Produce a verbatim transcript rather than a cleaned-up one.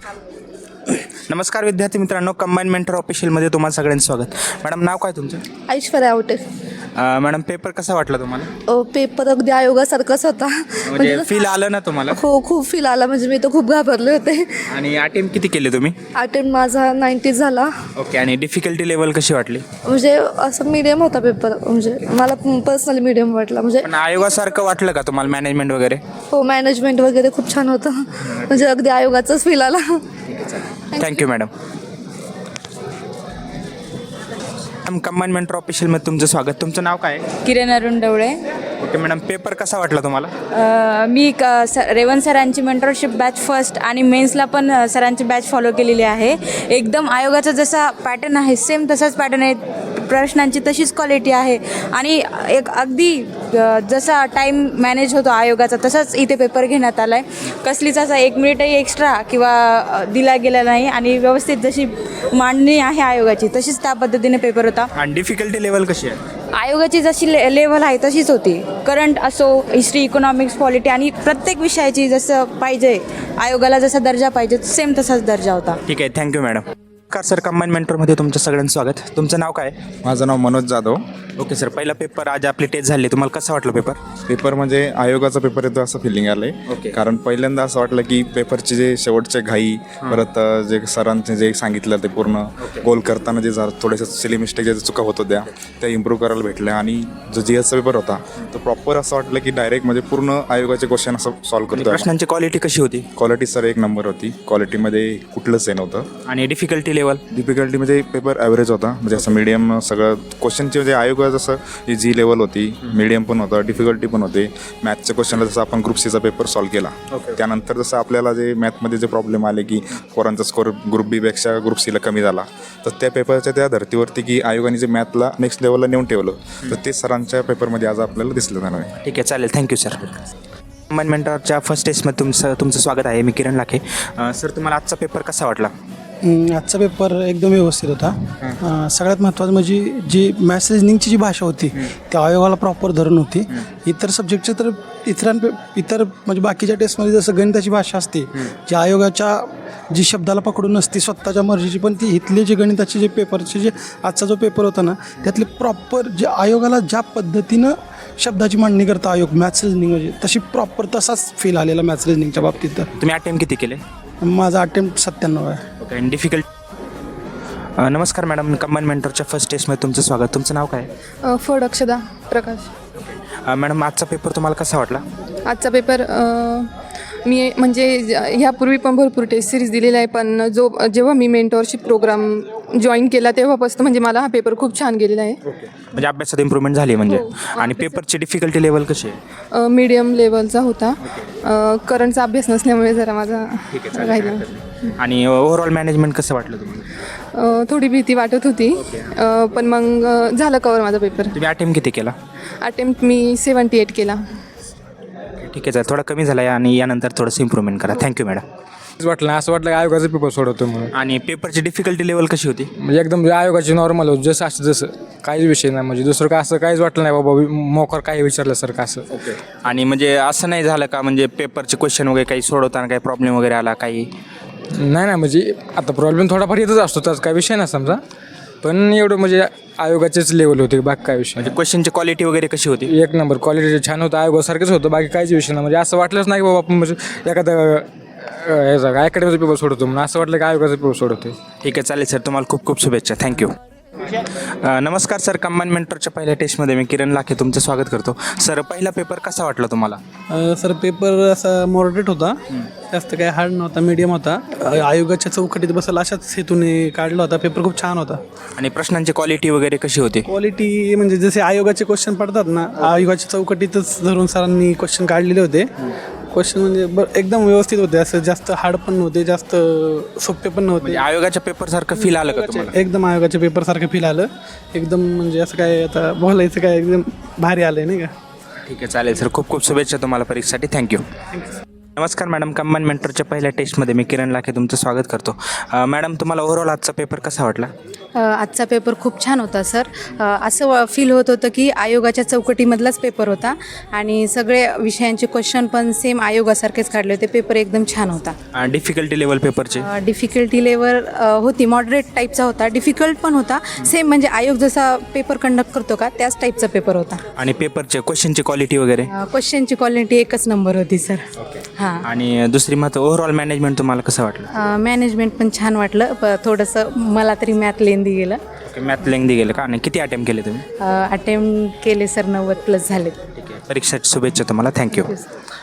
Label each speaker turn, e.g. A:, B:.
A: नमस्कार विद्यार्थी मित्रांनो, कंबाईन मेंटर ऑफिशियलमध्ये तुम्हाला सगळ्यांचं स्वागत. मॅडम, नाव काय तुमचं?
B: ऐश्वर्या आवटे.
A: अ, मॅडम, पेपर कसा वाटला तुम्हाला?
B: अ, पेपर अगदी आयोगासारखाच होता.
A: म्हणजे फील आलं ना तुम्हाला?
B: हो, खूप फील आला. म्हणजे मी तर खूप घाबरले होते.
A: आणि अटेम्प्ट किती केले तुम्ही?
B: अटेम्प्ट माझा नाईन्टी झाला.
A: ओके. आणि डिफिकल्टी लेवल कशी वाटली?
B: म्हणजे असं मीडियम होता पेपर. म्हणजे मला पर्सनली मीडियम वाटला. म्हणजे
A: पण आयोगासारखं वाटलं का तुम्हाला, मॅनेजमेंट वगैरे?
B: हो, मॅनेजमेंट वगैरे खूप छान होतं. म्हणजे अगदी आयोगाचाच फील आला.
A: Thank you madam. Madam, combine mentor ऑफिशियलमध्ये तुमचं स्वागत. तुमचं नाव काय आहे?
C: Kiran Arun Dawale.
A: Okay madam, paper कसा वाटला तुम्हाला?
C: अ, मी क स रेवंत सरांची मेंटरशिप बॅच फर्स्ट आणि मेन्सला पण अ, सरांची बॅच फॉलो केलेली आहे. एकदम आयोगाचा जसा पॅटर्न आहे सेम तसाच पॅटर्न आहे. प्रश्नांची तशीच क्वालिटी आहे आणि एक अगदी अ, जसा टाईम मॅनेज होतो आयोगाचा तसाच इथे पेपर घेण्यात आला आहे. कसलीच असा एक मिनिटही एक्स्ट्रा किंवा अ, दिला गेला नाही आणि व्यवस्थित जशी मांडणी आहे आयोगाची तशीच त्या पद्धतीने पेपर होता.
A: आणि डिफिकल्टी लेवल कशी आहे?
C: आयोगाची जशी ले लेवल आहे तशीच होती. करंट असो, हिस्ट्री, इकॉनॉमिक्स, पॉलिटी आणि प्रत्येक विषयाची जसं पाहिजे आयोगाला जसा दर्जा पाहिजे सेम तसाच दर्जा होता.
A: ठीक आहे, थँक्यू मॅडम. कार सर, कंबाईन मेंटरमध्ये तुमचं सगळ्यांचं स्वागत. तुमचं नाव काय?
D: माझं नाव मनोज जाधव.
A: ओके सर, पहिला पेपर आज आपली टेस्ट झाली, तुम्हाला कसा वाटला पेपर?
D: पेपर म्हणजे आयोगाचा पेपर येतो असं फिलिंग आलं आहे.
A: ओके.
D: कारण पहिल्यांदा असं वाटलं की पेपरचे जे शेवटचे घाई, परत अ, जे सरांचे जे सांगितलं ते पूर्ण गोल करताना जे जरा थोडेसे सिली मिस्टेक जे चुका होत होत्या त्या इम्प्रूव्ह करायला भेटल्या. आणि जो जी एसचा पेपर होता तो प्रॉपर असं वाटलं की डायरेक्ट म्हणजे पूर्ण आयोगाचे क्वेश्चन असं सॉल्व्ह करतो.
A: प्रश्नांची क्वालिटी कशी होती?
D: क्वालिटी सर एक नंबर होती. क्वालिटीमध्ये कुठलंच हे नव्हतं.
A: आणि डिफिकल्टी लेवल?
D: डिफिकल्टी म्हणजे पेपर ॲव्हरेज होता. म्हणजे असं मीडियम सगळं क्वेश्चनचे म्हणजे आयोगा जसं जी लेवल होती मीडियम पण होतं, डिफिकल्टी पण होते. मॅथच्या क्वेश्चनला जसं आपण ग्रुप सीचा पेपर सॉल्व्ह केला त्यानंतर जसं आपल्याला जे मॅथमध्ये जे प्रॉब्लेम आले की पोरांचा स्कोर ग्रुप बीपेक्षा ग्रुप सीला कमी झाला, तर त्या पेपरच्या त्या धर्तीवरती की आयोगाने जे मॅथला नेक्स्ट लेवलला नेऊन ठेवलं तर ते सरांच्या पेपरमध्ये आज आपल्याला दिसलं जाणार आहे.
A: ठीक आहे, चालेल. Thank you sir. कंबाईन मेंटरच्या फर्स्ट टेस्टमध्ये तुमचं तुमचं स्वागत आहे. मी किरण लाखे. अ, सर, तुम्हाला आजचा पेपर कसा वाटला?
E: आजचा पेपर एकदम व्यवस्थित होता. अं, सगळ्यात महत्त्वाचं म्हणजे जी मॅथ्स रिजनिंगची जी भाषा होती ती आयोगाला प्रॉपर धरून होती. इतर सब्जेक्टचे तर इतरांपे इतर म्हणजे बाकीच्या टेस्टमध्ये जसं गणिताची भाषा असते जी आयोगाच्या जी शब्दाला पकडून नसते स्वतःच्या मर्जीची, पण ती इथले जे गणिताचे जे पेपरचे जे आजचा जो पेपर होता ना त्यातले प्रॉपर जे आयोगाला ज्या पद्धतीनं शब्दाची मांडणी करता आयोग मॅथ्स रिजनिंग म्हणजे तशी प्रॉपर तसाच फील आलेला मॅथ्स रिजनिंगच्या बाबतीत. तर
A: तुम्ही अटेम्प्ट किती केले?
E: माझा अटेम्प्ट सत्त्याण्णव आहे.
A: ओके. आणि डिफिकल्ट नमस्कार मॅडम, कंबाईन मेंटरच्या फर्स्ट टेस्टमध्ये तुमचं स्वागत. तुमचं नाव काय?
F: फड अक्षदा प्रकाश.
A: अ, मॅडम, आजचा पेपर तुम्हाला कसा वाटला?
F: आजचा पेपर मी म्हणजे ज- ह्यापूर्वी पण भरपूर टेस्ट सिरीज दिलेला आहे, पण जो जेव्हा मी मेंटॉरशिप प्रोग्राम जॉईन केला तेव्हापासून म्हणजे मला हा पेपर खूप छान गेलेला आहे.
A: म्हणजे अभ्यासात इम्प्रूव्हमेंट झाली म्हणजे. आणि पेपरची डिफिकल्टी लेवल कशी आहे?
F: मीडियम लेवलचा होता. करंटचा अभ्यास नसल्यामुळे जरा माझा राहिला.
A: आणि ओव्हरऑल मॅनेजमेंट कसं वाटलं तुम्हाला?
F: अ, थोडी भीती वाटत होती, अ, पण मग अ, झालं कवर माझा पेपर.
A: तुम्ही अटेम्प्ट किती केला?
F: अटेम्प्ट मी सेवन्टी एट केला.
A: ठीक आहे, सर. थोडा कमी झाला आहे आणि यानंतर थोडंसं इम्प्रूव्हमेंट करा. Thank you madam.
G: वाटलं असं वाटलं की आयोगाचा पेपर सोडवतो म्हणून.
A: आणि पेपरची डिफिकल्टी लेवल कशी होती?
G: म्हणजे एकदम आयोगाची नॉर्मल होतं जसं असं जसं काहीच विषय नाही. म्हणजे दुसरं काय असं काहीच वाटलं नाही बाबा मोकर काही विचारल्यासारखं असं.
A: आणि म्हणजे असं नाही झालं का म्हणजे पेपरचे क्वेश्चन वगैरे काही सोडवताना काही प्रॉब्लेम वगैरे आला काही?
G: नाही नाही म्हणजे आता प्रॉब्लेम थोडाफार येतच असतो त्याचा काही विषय नाही समजा, पण एवढं म्हणजे आयोगाचेच लेवल होते बाकी काय विषय.
A: म्हणजे क्वेश्चनची क्वालिटी वगैरे कशी होती?
G: एक नंबर क्वालिटी छान होतं, आयोगासारखंच होतं, बाकी काहीच विषय नाही. म्हणजे असं वाटलंच नाही की बाबा आपण म्हणजे एखादं ह्याचा अकॅडमीचा पेपर सोडवतो म्हणून असं वाटलं की आयोगाचा पेपर सोडवतो.
A: ठीक आहे, चालेल सर. तुम्हाला खूप खूप शुभेच्छा. थँक्यू. नमस्कार सर, कंबाईन मेंटरच्या पहिल्या टेस्टमध्ये मी किरण लाखे तुमचं स्वागत करतो. सर, पहिला पेपर कसा वाटला तुम्हाला?
E: सर पेपर असा मॉडरेट होता, जास्त काही हार्ड नव्हता, मीडियम होता. अ, आयोगाच्या चौकटीत बसेल अशाच हेतूने काढला होता. पेपर खूप छान होता.
A: आणि प्रश्नांची क्वालिटी वगैरे कशी होती?
E: क्वालिटी म्हणजे जसे आयोगाचे क्वेश्चन पडतात ना आयोगाच्या चौकटीतच धरून सरांनी क्वेश्चन काढलेले होते. क्वेश्चन म्हणजे ब एकदम व्यवस्थित होते, असं जास्त हार्ड पण नव्हते, जास्त सोपे पण नव्हते.
A: म्हणजे आयोगाच्या पेपरसारखं फील आलं का तुम्हाला?
E: एकदम आयोगाच्या पेपरसारखं फील आलं. एकदम म्हणजे असं काय आता बोलायचं काय एकदम भारी आलं आहे नाही का.
A: ठीक आहे, चालेल सर. खूप खूप शुभेच्छा तुम्हाला परीक्षेसाठी. थँक्यू. नमस्कार मॅडम, कंबाईन मेंटरच्या पहिल्या टेस्टमध्ये मी किरण लाखे तुमचं स्वागत करतो. अ, मॅडम, तुम्हाला ओव्हरऑल आजचा पेपर कसा वाटला?
C: अ, आजचा पेपर खूप छान होता सर. अ, असं फील होत होतं की आयोगाच्या चौकटीमधलाच पेपर होता आणि सगळे विषयांचे क्वेश्चन पण सेम आयोगासारखेच काढले होते. पेपर एकदम छान होता.
A: डिफिकल्टी लेवल पेपरचे
C: डिफिकल्टी लेवल होती, मॉडरेट टाईपचा होता, डिफिकल्ट पण होता. सेम म्हणजे आयोग जसा पेपर कंडक्ट करतो का त्याच टाईपचा पेपर होता.
A: आणि पेपरचे क्वेश्चनची क्वालिटी वगैरे.
C: क्वेश्चनची क्वालिटी एकच नंबर होती सर. हां.
A: आणि दुसरी मत ओव्हरऑल मॅनेजमेंट तुम्हाला कसं वाटलं?
C: मॅनेजमेंट पण छान वाटलं. प थोडंसं मला तरी मॅथ लेंदी गेलं.
A: ओके, मॅथ लेंदी गेलं का? आणि किती अटेम्प्ट केले तुम्ही?
C: अटेम्प्ट केले सर, नव्वद प्लस झाले.
A: ठीक आहे, परीक्षेची शुभेच्छा तुम्हाला. थँक्यू.